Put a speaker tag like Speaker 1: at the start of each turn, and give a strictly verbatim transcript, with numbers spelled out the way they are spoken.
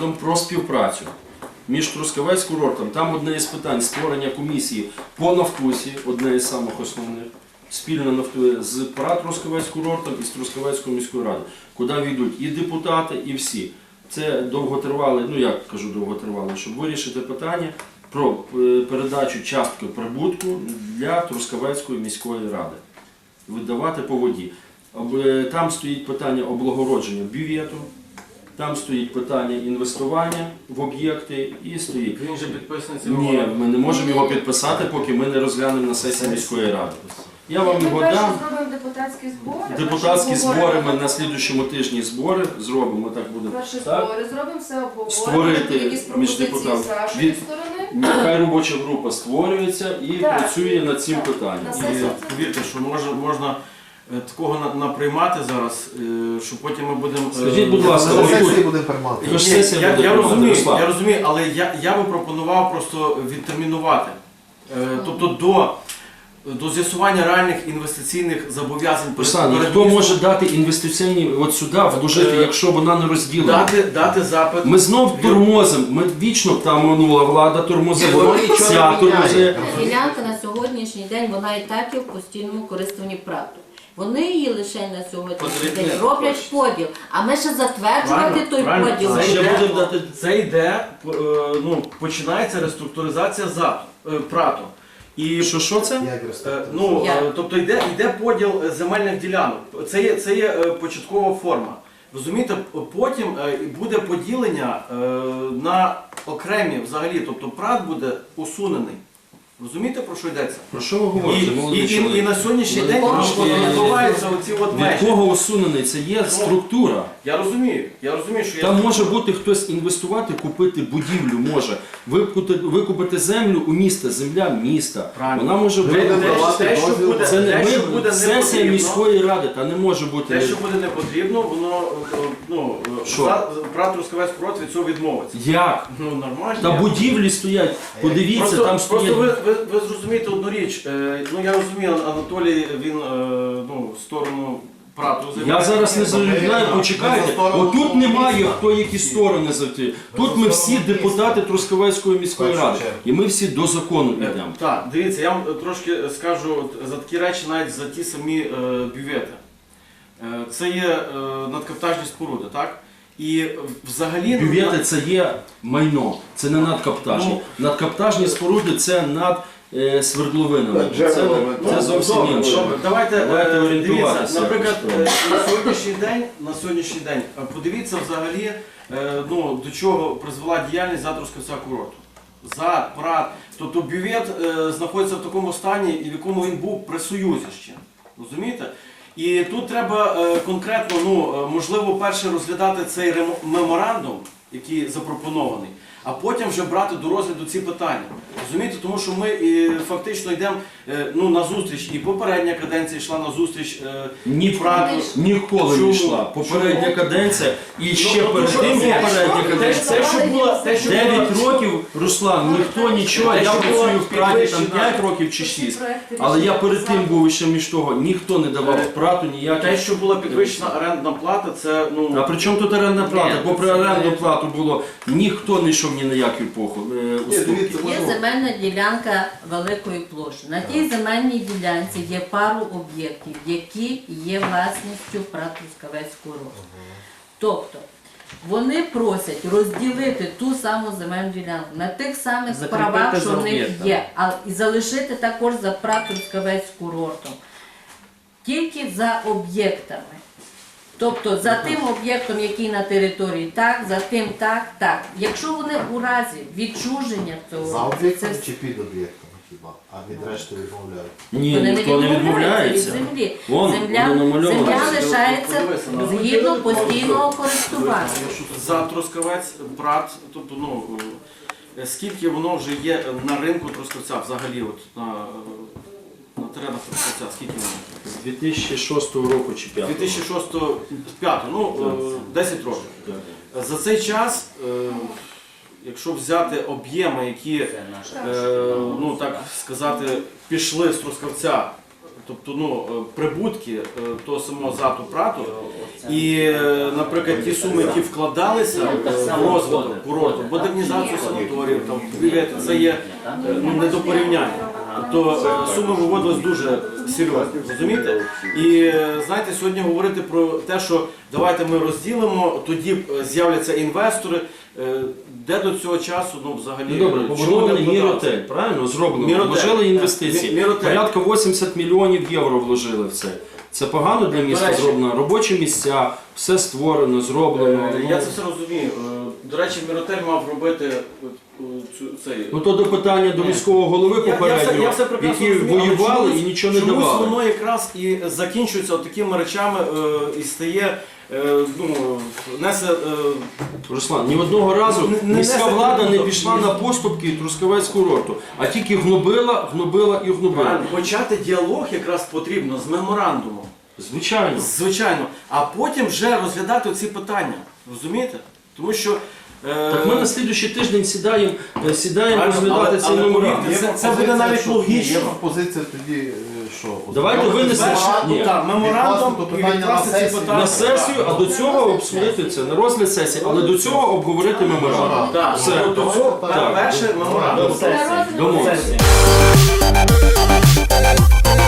Speaker 1: меморандум про співпрацю між Трускавець курортом. Там одне із питань створення комісії по Нафтусі, одне із самих основних, спільно нафту з ПРА Трускавець курортом і з Трускавецькою міською радою, куди війдуть і депутати, і всі. Це довготривале, ну як кажу довготривале, щоб вирішити питання про передачу частки прибутку для Трускавецької міської ради. Видавати по воді. Там стоїть питання облагородження бювету, там стоїть питання інвестування в об'єкти і стоїть.
Speaker 2: Він же підписаний.
Speaker 1: Ні, ми не можемо його підписати, поки ми не розглянемо на сесії міської ради. Я вам його дам.
Speaker 3: Ми перше зробимо депутатські збори.
Speaker 1: Депутатські збори, ми на слідуючому тижні збори зробимо, так буде.
Speaker 3: Перші
Speaker 1: Так?
Speaker 3: збори зробимо, все обговоримо.
Speaker 1: Створити
Speaker 3: Якісь
Speaker 1: між
Speaker 3: пропозиції
Speaker 1: депутатами.
Speaker 3: з вашої
Speaker 1: Від-
Speaker 3: сторони.
Speaker 1: Нехай робоча група створюється і
Speaker 3: Так.
Speaker 1: працює над цим
Speaker 3: Так.
Speaker 1: питанням.
Speaker 3: На
Speaker 2: І
Speaker 3: сесії
Speaker 2: повірте, що може, можна е, такого на- наприймати зараз, е, що потім ми будемо... е,
Speaker 1: Скажіть, будь ласка,
Speaker 4: На
Speaker 1: отут-
Speaker 4: сесії будемо приймати.
Speaker 1: Тож
Speaker 2: Ні,
Speaker 1: сесія
Speaker 2: я,
Speaker 1: буде
Speaker 2: я,
Speaker 1: приймати,
Speaker 2: розумію,
Speaker 1: Руслан.
Speaker 2: я розумію, але я, я би пропонував просто відтермінувати. Е, тобто до, до з'ясування реальних інвестиційних зобов'язань перед-
Speaker 1: Руслан,
Speaker 2: перед
Speaker 1: хто
Speaker 2: містом,
Speaker 1: може дати інвестиційні от сюди вложити,
Speaker 2: Е,
Speaker 1: якщо вона не розділена?
Speaker 2: дати, дати запит.
Speaker 1: Ми знов тормозимо, ми вічно там минула влада тормозила, ця тормозила.
Speaker 5: Ділянка на сьогоднішній день, вона і так є в постійному користуванні ПРАТу. Вони її лише на сьогоднішній день
Speaker 2: Потрібно.
Speaker 5: роблять поділ, а ми ще затверджувати
Speaker 2: Правильно,
Speaker 5: той
Speaker 2: правильно.
Speaker 5: поділ.
Speaker 2: Це
Speaker 1: Ще
Speaker 2: йде,
Speaker 1: будемо дати-
Speaker 2: це йде, е, ну, починається реструктуризація за, е, ПРАТу. І
Speaker 1: Що, що це?
Speaker 4: Як
Speaker 2: Е,
Speaker 4: розповідати?
Speaker 2: Ну,
Speaker 5: Я.
Speaker 2: е, тобто йде, йде поділ е, земельних ділянок. Це є, це є е, початкова форма. Розумієте, потім е, буде поділення е, на окремі взагалі, тобто ПРАТ буде усунений. Розумієте, про що йдеться?
Speaker 1: Про що ви
Speaker 2: І,
Speaker 1: говорите,
Speaker 2: і,
Speaker 1: молодий
Speaker 2: і, і
Speaker 1: чоловік?
Speaker 2: на сьогоднішній
Speaker 1: Ну,
Speaker 2: день
Speaker 1: трошки-
Speaker 2: відбуваються оці от
Speaker 1: Від
Speaker 2: межі.
Speaker 1: кого усунений? Це є структура.
Speaker 2: Я розумію, я розумію, що я...
Speaker 1: Там може бути хтось інвестувати, купити будівлю, може викупити, викупити землю у міста, земля міста.
Speaker 2: Правильно.
Speaker 1: Вона може
Speaker 2: Те,
Speaker 1: бути.
Speaker 4: давати
Speaker 2: те, що
Speaker 4: дозвіл.
Speaker 2: буде,
Speaker 1: Це не
Speaker 2: те, що
Speaker 1: ми,
Speaker 2: буде не
Speaker 1: сесія
Speaker 2: потрібно,
Speaker 1: міської ради, та не може бути.
Speaker 2: те, що буде не потрібно, воно е, е, ну, е,
Speaker 1: Що?
Speaker 2: за- ПРАТ Трускавець курорт від цього відмовиться.
Speaker 1: Як?
Speaker 2: Ну, нормально.
Speaker 1: Та будівлі стоять, подивіться,
Speaker 2: Просто,
Speaker 1: там
Speaker 2: просто
Speaker 1: стоять.
Speaker 2: ви, ви, ви зрозумієте одну річ. Е, ну я розумію, Анатолій він е, ну, в сторону ПРАТу
Speaker 1: Я
Speaker 2: займає.
Speaker 1: зараз не заявляю, почекайте. Отут немає хто які сторони завжди. Тут ми всі депутати Трускавецької міської ради. І ми всі до закону
Speaker 2: Е,
Speaker 1: йдемо.
Speaker 2: Так, дивіться, я вам трошки скажу от за такі речі, навіть за ті самі е, бювети. Е, це є е, надкаптажні споруди, так? І взагалі...
Speaker 1: Бювети це є майно, це не надкаптажні. Надкаптажні споруди це над е, свердловинами. Це, це зовсім
Speaker 2: Добре,
Speaker 1: інше.
Speaker 2: добре. Давайте,
Speaker 1: Давайте
Speaker 2: е,
Speaker 1: орієнтуватися
Speaker 2: дивіться, наприклад,
Speaker 1: якось.
Speaker 2: е, на сьогоднішній день, на сьогоднішній день е, подивіться взагалі, е, ну, до чого призвела діяльність за Трускавця курорту. За ПРАТ. Тобто бювет е, знаходиться в такому стані, і в якому він був при Союзі ще. Розумієте? І тут треба е, конкретно, ну, е, можливо, перше розглядати цей ремо- меморандум, який запропонований, а потім вже брати до розгляду ці питання. Розумієте, тому що ми е, фактично йдемо е, ну, на зустріч, і попередня каденція йшла на зустріч е,
Speaker 1: Ні,
Speaker 2: ПРАТу.
Speaker 1: ніколи
Speaker 2: Чому?
Speaker 1: не йшла. Попередня
Speaker 2: Чому?
Speaker 1: каденція і ще
Speaker 2: Ну,
Speaker 1: перед
Speaker 2: ну,
Speaker 1: тим
Speaker 2: що,
Speaker 1: попередня
Speaker 2: те,
Speaker 1: каденція.
Speaker 2: те, що було, те, що було,
Speaker 1: дев'ять років, Руслан, ніхто нічого, я працюю в ПРАТі там п'ять років чи шість. Але я перед тим був ще між того, ніхто не давав в ПРАТу
Speaker 2: те,
Speaker 1: ніяких.
Speaker 2: що була підвищена орендна плата, це, ну...
Speaker 1: А при чому тут орендна плата?
Speaker 2: Ні,
Speaker 1: Бо при
Speaker 2: це
Speaker 1: орендну
Speaker 2: не-
Speaker 1: плату було, ніхто не йшов ні на які епоху. е, уступки.
Speaker 4: дивіться,
Speaker 5: Є
Speaker 4: можна-
Speaker 5: земельна ділянка великої площі. На тій земельній ділянці є пару об'єктів, які є власністю ПРАТ Трускавець курорт. Тобто вони просять розділити ту саму земельну ділянку на тих самих
Speaker 2: Закріпити
Speaker 5: правах,
Speaker 2: за
Speaker 5: що в них
Speaker 2: об'єктом.
Speaker 5: є, а і залишити також за ПРАТ Трускавець курортом. Тільки за об'єктами. Тобто за тим об'єктом, який на території, так, за тим так, так. Якщо вони у разі відчуження
Speaker 4: За
Speaker 5: цього,
Speaker 4: об'єктом
Speaker 5: це
Speaker 4: чи під об'єктом хіба? А від решти відмовляють.
Speaker 1: Ні,
Speaker 5: вони
Speaker 1: ніхто не
Speaker 5: від
Speaker 1: відмовляється.
Speaker 5: землі.
Speaker 1: Вон,
Speaker 5: Земля,
Speaker 1: воно намальовано.
Speaker 5: земля лишається
Speaker 2: Подивися на-
Speaker 5: згідно постійного користування.
Speaker 2: За Трускавець, ПРАТ, тобто, ну, е, скільки воно вже є на ринку Трускавця, взагалі, от, на, на теренах Трускавця, скільки воно?
Speaker 1: З дві тисячі шостого року чи п'ятого.
Speaker 2: дві тисячі шостого, п'ятого, ну, е, десять років.
Speaker 1: Так.
Speaker 2: За цей час, е, якщо взяти об'єми, які, е, ну, так сказати, пішли з Трускавця тобто ну, е, прибутки е, того самого ЗАТу ПРАТу, і, е, наприклад, ті суми, які вкладалися е, в розвиток курорту, модернізацію санаторіїв, там, бювети, це є е, ну, не до порівняння. Тобто е, суми виводились дуже серйозні, розумієте? І е, знаєте, сьогодні говорити про те, що давайте ми розділимо, тоді е, з'являться інвестори, е, де до цього часу, ну взагалі...
Speaker 1: Ну, добре,
Speaker 2: чому
Speaker 1: побудований
Speaker 2: не вкладатися?
Speaker 1: Міротель, правильно? Зроблено.
Speaker 2: Міротель.
Speaker 1: Вложили інвестиції.
Speaker 2: Мі- Міротель.
Speaker 1: Порядка вісімдесят мільйонів євро вложили в це. Це погано для міста
Speaker 2: До речі.
Speaker 1: зроблено. Робочі місця, все створено, зроблено.
Speaker 2: Е,
Speaker 1: Ну,
Speaker 2: Я це все розумію. Е, До речі, Міротель мав робити е, е, цю, цей...
Speaker 1: Ну то до питання до міського голови
Speaker 2: Я- я все-
Speaker 1: попереднього,
Speaker 2: я все прекрасно
Speaker 1: які
Speaker 2: розумію, але
Speaker 1: воювали
Speaker 2: чомусь-
Speaker 1: і нічого не
Speaker 2: чомусь
Speaker 1: давали.
Speaker 2: воно якраз і закінчується от такими речами е, і стає, е, ну, несе... Е,
Speaker 1: Руслан, ні одного разу
Speaker 2: Не- не
Speaker 1: міська
Speaker 2: несе
Speaker 1: влада не
Speaker 2: прибуток.
Speaker 1: пішла на поступки Трускавецького курорту, а тільки гнобила, гнобила і гнобила.
Speaker 2: правильно, почати діалог якраз потрібно з меморандумом.
Speaker 1: Звичайно.
Speaker 2: Звичайно. А потім вже розглядати ці питання. Розумієте? Тому що... е,
Speaker 1: Так ми на слідуючий тиждень сідаємо, е, сідаємо
Speaker 2: Правильно,
Speaker 1: розглядати
Speaker 2: але-
Speaker 1: цей
Speaker 2: але
Speaker 1: меморандум.
Speaker 2: повірте, це- це буде
Speaker 4: пропозиція,
Speaker 2: навіть
Speaker 4: що-
Speaker 2: логічно.
Speaker 4: Є пропозиція тоді, е, що?
Speaker 1: Давайте винесемо.
Speaker 2: перше,
Speaker 1: Ні.
Speaker 2: так, меморандум
Speaker 4: Відкласти
Speaker 2: і
Speaker 4: питання
Speaker 2: відкласти
Speaker 4: на
Speaker 2: ці
Speaker 4: сесію.
Speaker 2: питання.
Speaker 1: На сесію, а до цього обсудити це, на розгляд сесії, але до цього обговорити меморандум.
Speaker 2: Так,
Speaker 1: Все.
Speaker 2: до цього
Speaker 4: Так.
Speaker 2: перше меморандум.
Speaker 3: На розгляд
Speaker 1: Домовилися.
Speaker 3: сесії.